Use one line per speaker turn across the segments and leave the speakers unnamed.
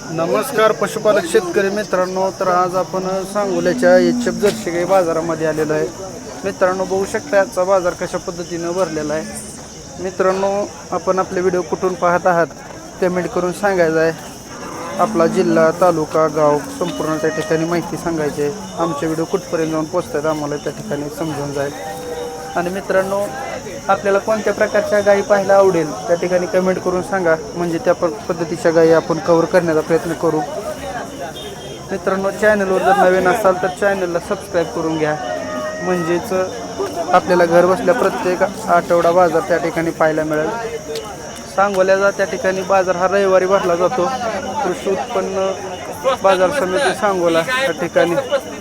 नमस्कार पशुपालक शेतकरी मित्रांनो, तर आज आपण सांगोल्याच्या एचएफ जर्सी गाई बाजारामध्ये आलेलो आहे. मित्रांनो बघू शकता आजचा बाजार कशा पद्धतीनं भरलेला आहे. मित्रांनो आपण आपले व्हिडिओ कुठून पाहत आहात कमेंट करून सांगायचं आहे. आपला जिल्हा, तालुका, गाव संपूर्ण त्या ठिकाणी माहिती सांगायची आहे. आमचे व्हिडिओ कुठपर्यंत जाऊन पोचतात आम्हाला त्या ठिकाणी समजून जाईल. आणि मित्रांनो आपल्याला कोणत्या प्रकारच्या गायी पाहायला आवडेल त्या ठिकाणी कमेंट करून सांगा, म्हणजे त्या पद्धतीच्या गायी आपण कव्हर करण्याचा प्रयत्न करू. मित्रांनो चॅनलवर जर नवीन असाल तर चॅनलला सबस्क्राईब करून घ्या, म्हणजेच आपल्याला घर बसल्या प्रत्येक आठवडा बाजार त्या ठिकाणी पाहायला मिळेल. सांगोल्याचा त्या ठिकाणी बाजार हा रविवारी भरला जातो. कृषी उत्पन्न बाजार समिती सांगोला त्या ठिकाणी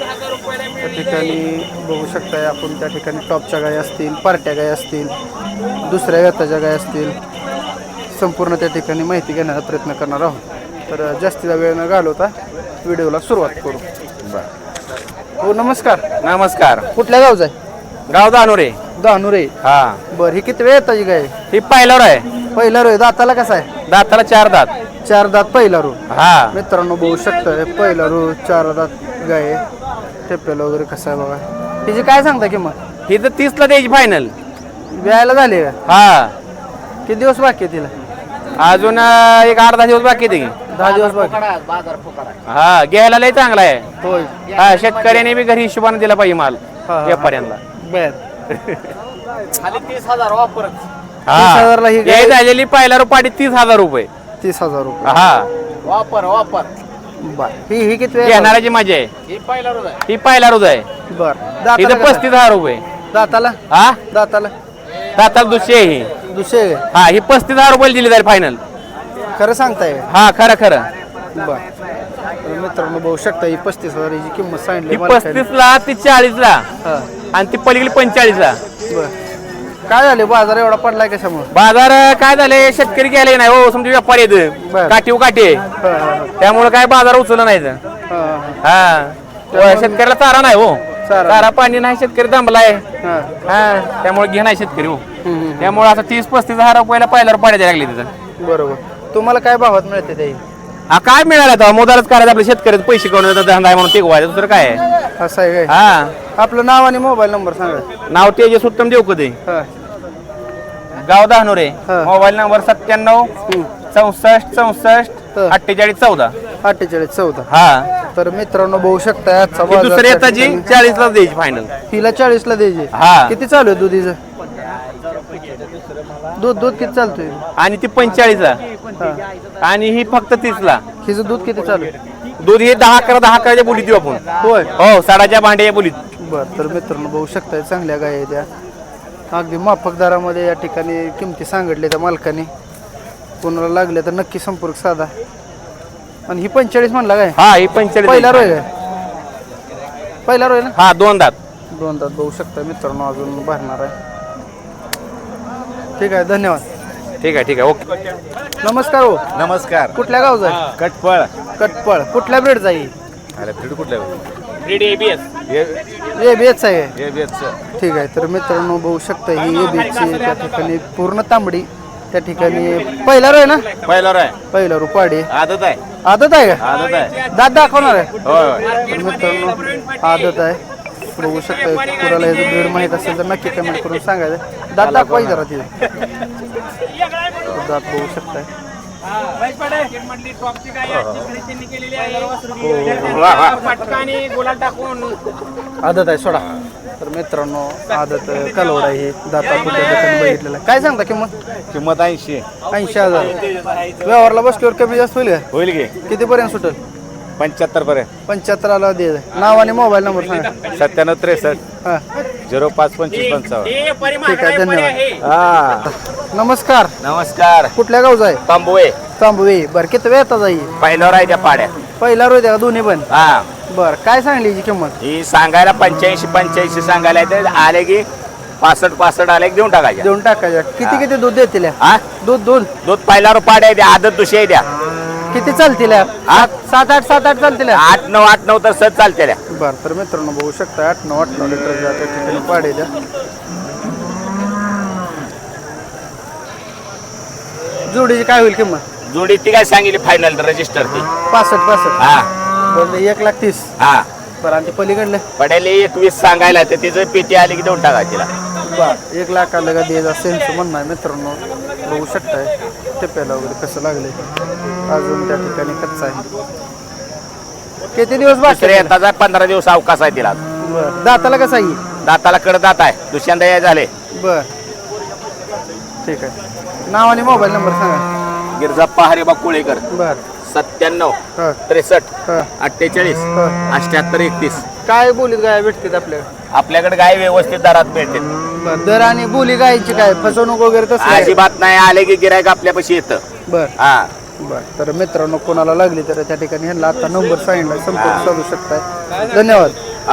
बघू शकताय आपण. त्या ठिकाणी टॉपच्या गाय असतील, पार्ट्या गाय असतील, दुसऱ्या व्यताच्या गाय असतील, संपूर्ण त्या ठिकाणी माहिती घेण्याचा प्रयत्न करणार आहोत. तर जास्तीचा वेळ न घालवता व्हिडिओला सुरुवात करू. हो नमस्कार.
नमस्कार.
कुठल्या गावचा आहे?
गाव दानोरे.
दानुरे.
हा.
बरं, ही किती वेळ येताची गाय?
ही पहिल्यावर आहे.
पहिला रो. दाताला कसा आहे?
दाताला 4 दात.
4 दात पहिला रो.
हा.
मित्रांनो बघू शकता पहिला रो 4 दात गाय. टेपेला वगैरे कसं आहे बघा. तिची काय सांगता किंमत?
ही तर 30 ला द्यायची फायनल.
व्यायला झाली का?
हा.
किती दिवस बाकी आहे तिला?
अजून एक 8-10 दिवस बाकी आहे.
10 दिवस बाकी.
हा. घ्यायला लय चांगला आहे.
होय.
हा. शेतकऱ्याने बी घरी हिशोबाने दिला पाहिजे माल व्यापाऱ्यांना.
बर.
खाली 30,000 वापरत.
30,000 ला ही गाय.
हा. झालेली पहिला रुपाडी 30,000 रुपये.
30,000 रुपये.
हा.
वापर
बर. ही किती वेळ?
घेणाऱ्याची मजा आहे.
ही पहिला रोज आहे.
ही पहिला रोज आहे.
बर.
इथं 35,000 रुपये.
दाताला
हा.
दाताला
दाताला दुसरी आहे ही.
दुसरे
हा. ही 35,000 रुपये दिली जाईल फायनल.
खरं सांगताय?
हा. खरं.
बर. तर मित्रांनो बघू शकता ही 35,000 हिची किंमत सांगितली.
ती 35 ला, ती 40 ला, आणि ती पलीकडे 45 ला.
बर. काय झाले बाजार एवढा पडलाय कशामुळे?
बाजार काय झाले, शेतकरी गेले नाही हो. समजा व्यापारी येत
बर.
काठी आहे. त्यामुळे काय बाजार उचलला नाही. हा. शेतकऱ्याला चारा नाही हो. चारा पाणी नाही, शेतकरी दमलाय. हा. त्यामुळे घे नाही शेतकरी हो. त्यामुळे आता 30-35,000 रुपयाला पहिल्यावर पाड्या लागली तिथं.
बरोबर. तुम्हाला काय भावात मिळते ते?
हा. काय मिळालं तर मोदारच करायचं आपल्या शेतकऱ्याचं, पैसे करून धंदा आहे म्हणून टिकवायचं, दुसरं काय आहे.
असं आहे काय?
हा.
आपलं नाव आणि मोबाईल नंबर सांगा.
नाव तेजस उत्तम देऊ कधी. गाव दानोरे.
हा.
Mobile number 97 64 64 48 14.
48 14.
हा.
तर मित्रांनो बघू शकता आजचा
ही
बाजार
दुसरी
त्या
येताची
ठिकाणी
40 ला द्यायची फायनल.
हिला 40 ला द्यायची.
हा.
किती चालू आहे दुधीचं? दूध किती चालतोय?
आणि ती 45 ला, आणि ही फक्त 30 ला.
हिचं दूध किती चालू आहे?
दूध हे 10-11 बोलीत देऊ आपण.
होय.
हो. साडाच्या भांड्याच्या बोलीत.
बरं. तर मित्रांनो बघू शकता चांगल्या गाय त्या अगदी माफक दरामध्ये या ठिकाणी किमती सांगितल्या त्या मालकाने. कोणाला लागल्या तर नक्की संपर्क साधा. आणि ही 45 म्हणला काय?
हा. ही 45
पहिला रोय काय? पहिला रोय ना?
हा. 2 दात.
2 दात बघू शकता मित्रांनो, अजून भरणार आहे. ठीक आहे, धन्यवाद.
ठीक आहे. ओके.
नमस्कार हो.
नमस्कार.
कुठल्या गावचा आहे?
कटपळ.
कटपळ. कुठल्या ब्रेड जाईल?
अरे फ्रीड कुठल्या
ABS.
एबीएच आहे.
एबीएच.
ठीक आहे. तर मित्रांनो बघू शकता ही एबीएचची त्या ठिकाणी पूर्ण तांबडी त्या ठिकाणी पहिला रोय ना?
पहिला आहे.
पहिला रुपाडी
आदत आहे.
आदत आहे का?
आदत आहे.
दात दाखवणार आहे?
होय.
तर मित्रांनो आदत आहे. बघू शकता. कुणाला याचं ब्रेड माहीत असेल तर नक्की कमेंट करून सांगायचं. दात दाखवायचं जरा तिथे. दात बघू शकताय. आदत आहे सोडा. तर मित्रांनो आदत कालवड आहे ही. दाता कुठल्या ठिकाणी बघितलेला. काय सांगता किंमत?
किंमत 80.
80,000. व्यवहारला बसल्यावर कमी जास्त होईल का?
होईल की
कितीपर्यंत सुटेल?
75 पर्यंत.
75 द्यायचं. नाव आणि मोबाईल नंबर सांगा.
97 63
हां.
05 25 55.
ठीक आहे, धन्यवाद.
हा.
नमस्कार.
नमस्कार.
कुठल्या गावचा आहे?
तांबवे.
तांबवे. बरं, किती वेळ येतात जाई?
पहिल्यावर आहे त्या पाड्या.
पहिला रोज का दोन्ही पण?
हा.
बरं. काय सांगली हिची किंमत?
ही सांगायला 85 सांगायला येते. आले की 65 आले की देऊन टाकायच्या.
देऊन टाकायच्या. किती दूध देतील?
हा.
दूध
पहिल्यावर पाड्या द्या, आदत दुसरी द्या.
किती चालतील? 7-8 चालतील.
8-9 तर सत चालते.
बरं. तर मित्रांनो बघू शकता 8-9 लिटर त्या ठिकाणी पाडे द्या. जोडीची काय होईल किंमत?
जोडी ती काय सांगितली फायनल रजिस्टर ती
65
हा
बरं 1,30,000
हा
बरं आणि ते पलीकडलं
पडेल 21 सांगायला तर तिचं पेटी आली की देऊन टाका तिला.
बरं 1 लाखाला का द्यायचा सेन्स म्हणणं आहे मित्रांनो. बघू शकताय टेप्याला वगैरे कसं लागले अजून त्या ठिकाणी कच्चा आहे. किती दिवस बाकी
दुसऱ्या येताचा 15 दिवस अवकाश आहे तिला.
बरं दाताला कसं आहे
दाताला कडदात आहे दुसऱ्यांदा या झाले.
बरं ठीक आहे. नाव आणि मोबाईल नंबर सांगा.
गिरजाप्पा हरिबा कुळेकर
बरं
97
हां
63
हां
48
हां
78 31.
काय बोलीत गाय भेटतात आपल्याकडे?
आपल्याकडे गाय व्यवस्थित दरात मिळते.
बरं दर आणि बोली गायची काय फसवणूक वगैरे तसं आहे?
अजिबात नाही आले की गिरायक आपल्यापाशी येतं.
बरं
हा
बरं तर मित्रांनो कोणाला लागली तर त्या ठिकाणी ह्यांना आता नंबर सांगितला संपर्क साधू शकताय. धन्यवाद.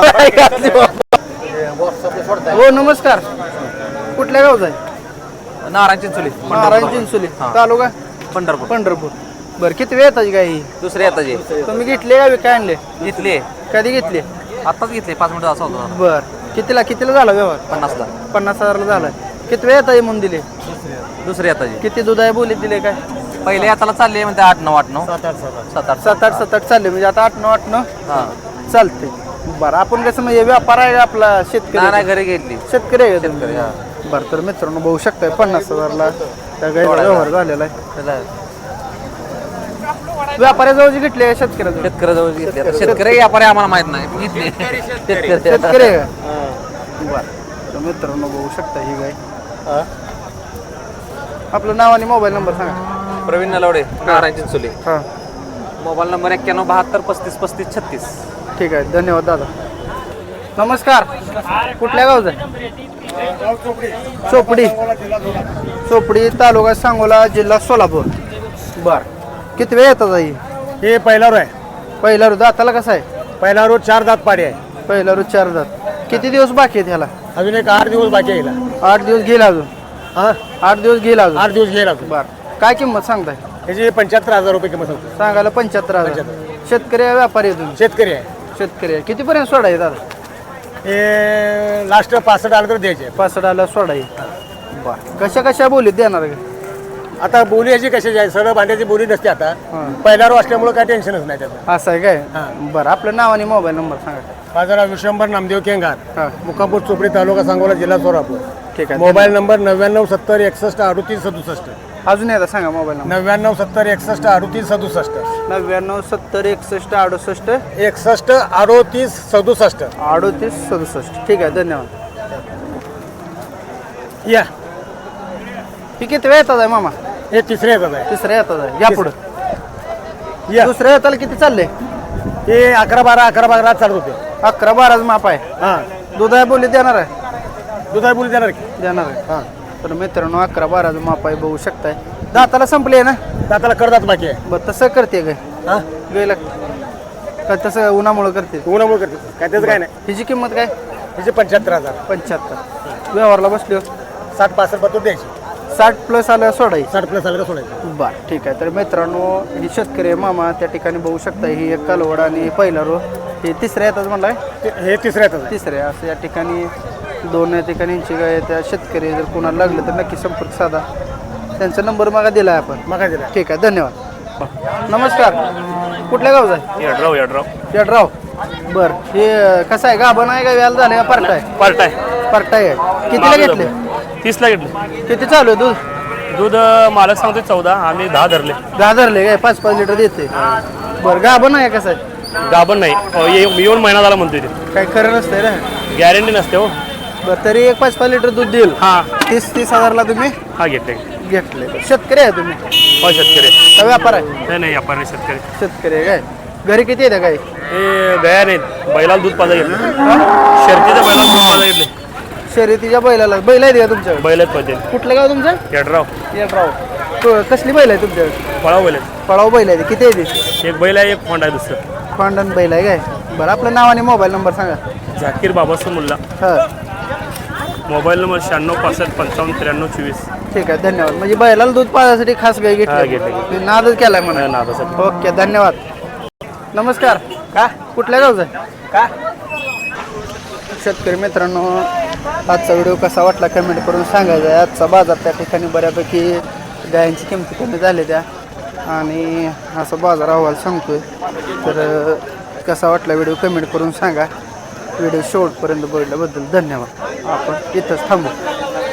हो नमस्कार. कुठल्या गावचा आहे?
नारायण चिंचोली
नारायण चिंचोली तालुका
पंढरपूर
पंढरपूर. बरं किती वेळ येताची गाय ही?
दुसरे येताचे
तुम्ही घेतले का काय आणले?
घेतले
कधी घेतले?
आताच घेतले 5 मिनिटं असं होतं.
बरं कितीला झाला व्यवहार?
50ला
50,000ला झाला. किती वेळ येता म्हणून दिले?
दुसरे येताचे
किती दूध आहे बोलीत दिले काय?
पहिले येताला चालले म्हणते 8-9 7-8
7-8 चालले म्हणजे आता 8-9
हां
चालते. बरं आपण कसं म्हणजे व्यापार आहे का आपला शेतकरी?
नाही घरी घेतली
शेतकरी आहे का तुम्ही? बरं तर मित्रांनो बघू शकताय 50,000ला त्या गायीचा व्यवहार झालेला आहे. व्यापाऱ्याजवळ घेतले शेतकऱ्याजवळ?
शेतकऱ्याजवळ घेतली. शेतकरी व्यापारी आम्हाला माहित नाही घेतली
शेतकरी आहे का? बरं तर मित्रांनो बघू शकता ही गाय. आपलं नाव आणि मोबाईल नंबर सांगा.
प्रवीण नलवडे नारायण चिंचोली.
हां
मोबाईल नंबर 9172353536.
ठीक आहे धन्यवाद दादा. नमस्कार. कुठल्या गावचा आहे? चोपडी तालुका सांगोला जिल्हा सोलापूर. बर किती वेळ येतात आई?
हे पहिला रो आहे.
पहिला रोज दाताला कसा आहे?
पहिला रो 4 दात पाडी आहे.
पहिला रोज 4 दात. किती दिवस बाकी आहेत ह्याला?
अजून एक 8 दिवस बाकी आहे हिला.
8 दिवस घेईल अजून.
हा
8 दिवस घेईल अजून.
8 दिवस घेईल अजून.
बर काय किंमत सांगताय?
त्याची 75,000 रुपये किंमत होती.
सांगायला 75,000. शेतकरी आहे व्यापारी आहे तुम्ही?
शेतकरी आहे.
शेतकरी आहे. कितीपर्यंत सोडाय दादा?
हे लास्ट 65 आलं तर द्यायचे.
65ला सोडाय. बर कशा बोलीत देणार का?
आता बोली याची कशाची आहे सरळ भांड्याची बोली नसते आता.
हां
पहिला रो असल्यामुळे काय टेन्शनच नाही त्याचं.
असं आहे काय?
हां.
बरं आपलं नाव आणि मोबाईल नंबर सांगा.
माझं नाव विश्वंभर नामदेव केंगार,
हां
मुकापूर चोपडी तालुका सांगोला जिल्हा सोलापूर.
ठीक आहे.
Mobile number 99 70 61 38 67.
अजून एकदा सांगा मोबाईल नंबर.
99 70 61 38 67.
99 70 61 68
61 38 67.
38 67. ठीक आहे धन्यवाद.
या
ही किती वेळ येतात आहे मामा?
हे तिसरे येतात आहे.
तिसऱ्या येतात आहे. या पुढं.
या
दुसऱ्या येताला किती चालले?
हे 11-12 चालत होते.
11-12 माप आहे.
हां
दूध आहे बोली देणार आहे?
दुधाई बोली देणार की.
देणार आहे.
हां
तर मित्रांनो 11-12 माप आहे बघू शकताय. दाताला संपले ना?
दाताला करदात बाकी आहे.
बरं तसं करते काय?
हां
गेलं का तसं उन्हामुळं करते?
उन्हामुळे करते काय त्याचं काय नाही.
हिची किंमत काय?
त्याचे 75,000.
75. व्यवहारला बसलो
60-65 पत्तूर द्यायची.
60 प्लस आलं सोडायचं.
60 प्लस आलं का सोडायचं.
बरं ठीक आहे. तर मित्रांनो ही शेतकरी आहे मामा त्या ठिकाणी बघू शकता. ही एक कालवड आणि पहिला रो हे तिसऱ्या येतात म्हणलाय.
हे तिसऱ्या येतात आहे.
तिसऱ्या असं या ठिकाणी 2 या ठिकाणी यांची गाय त्या शेतकरी जर कोणाला लागलं तर नक्की संपर्क साधा. त्यांचा नंबर मागा दिला आहे आपण.
मग काय दिला.
ठीक आहे धन्यवाद. नमस्कार. कुठल्या गावचा आहे? येडराव. बरं हे कसं आहे गाभण आहे का व्याला झालं का पार्ट आहे? पार्ट आहे. कितीला घेतले?
30ला घेतले.
किती चालू आहे दूध?
दूध मालक सांगतोय 14, आम्ही 10 धरले.
10 धरले काय? 5-5 लिटर देते. बरं गाभण आहे कसं आहे?
गाभण नाही येऊन महिना झाला म्हणतोय ते.
काही खरं नसतंय ना.
गॅरंटी नसते हो.
बरं तरी एक 5-5 लिटर दूध देईल.
हां
30 हजारला तुम्ही
हा घेतले.
घेतले. शेतकरी आहे तुम्ही
हो शेतकरी.
का व्यापार आहे?
नाही आपण शेतकरी.
शेतकरी आहे काय? घरी किती येते काय?
हे गया नाहीत बैलाला दूध पाजा घेतले.
हा?
शर्तीचं बैलाला दूध पाजा घेतले.
शर्यतीच्या बैलाला बैल आहे का तुमच्याकडे?
बैल आहेत पाहिजे.
कुठलं गाव तुमचं?
येडराव.
येडराव. कसली बैल आहे तुमच्याकडे?
फळाव बैल आहेत.
पळाव बैल आहे. किती आहे ते?
एक बैल आहे एक फोंड आहे दुसरं.
पांडन बैल आहे काय? बरं आपलं नाव आणि मोबाईल नंबर सांगा.
झाकीर बाबासो मुल्ला.
हां
मोबाईल नंबर 96 65 55 93 24.
ठीक आहे धन्यवाद. म्हणजे बैलाला दूध पाजायसाठी खास गाय
हा,
घेतली.
घेतली.
नादच केलाय म्हणा.
नादासाठी.
ओके धन्यवाद. नमस्कार. का कुठल्या गावचा आहे?
का
शेतकरी मित्रांनो आजचा व्हिडिओ कसा वाटला कमेंट करून सांगायचा आहे. आजचा बाजार त्या ठिकाणी बऱ्यापैकी गायांची किमती कमी झाल्या त्या आणि असा बाजार अहवाल सांगतोय. तर कसा वाटला व्हिडिओ कमेंट करून सांगा. व्हिडिओ शेवटपर्यंत बघितल्याबद्दल धन्यवाद. आपण इथंच थांबू.